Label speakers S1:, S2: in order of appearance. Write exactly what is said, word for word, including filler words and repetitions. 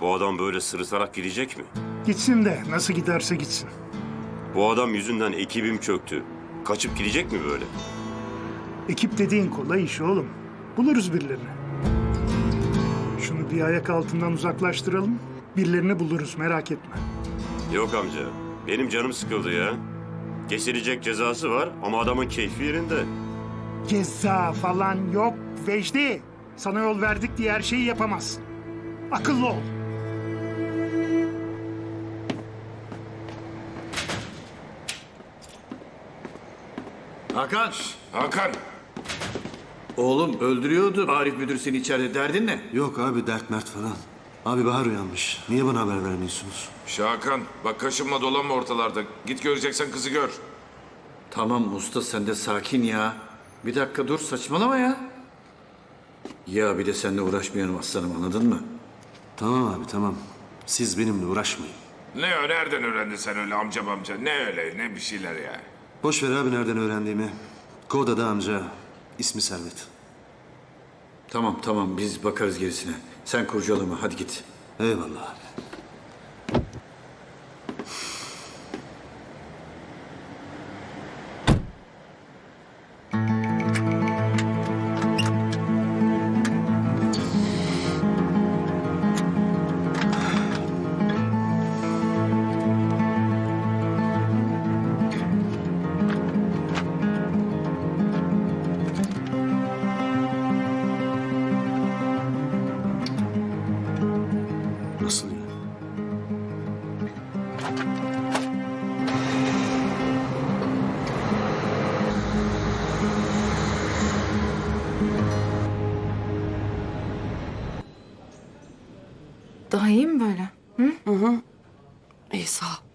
S1: Bu adam böyle sırıtarak gidecek mi?
S2: Gitsin de nasıl giderse gitsin.
S1: Bu adam yüzünden ekibim çöktü. Kaçıp gidecek mi böyle?
S2: Ekip dediğin kolay iş oğlum. Buluruz birilerini. Şunu bir ayak altından uzaklaştıralım. Birilerini buluruz, merak etme.
S1: Yok amca. Benim canım sıkıldı ya. Kesilecek cezası var ama adamın keyfi yerinde.
S2: Ceza falan yok Vecdi. Sana yol verdik diye her şeyi yapamazsın. Akıllı ol.
S3: Hakan,
S4: Hakan,
S3: oğlum öldürüyordu Arif müdür seni içeride. Derdin ne?
S5: Yok abi dert mert falan. Abi Bahar uyanmış. Niye bana haber vermiyorsunuz?
S4: Şahakan, bak kaşınma dolanma ortalarda. Git göreceksen kızı gör.
S3: Tamam usta sen de sakin ya. Bir dakika dur saçmalama ya. Ya bir de seninle uğraşmayalım aslanım anladın mı?
S5: Tamam abi tamam. Siz benimle uğraşmayın.
S4: Ne o, nereden öğrendin sen öyle amcam amca? Ne öyle, ne bir şeyler ya.
S5: Boş ver abi nereden öğrendiğimi. Koda'da amca. İsmi Servet.
S3: Tamam tamam biz bakarız gerisine. Sen kurcalama hadi git.
S5: Eyvallah abi. Nasıl ya?
S6: Daha iyi mi böyle?
S7: İyi sağ ol.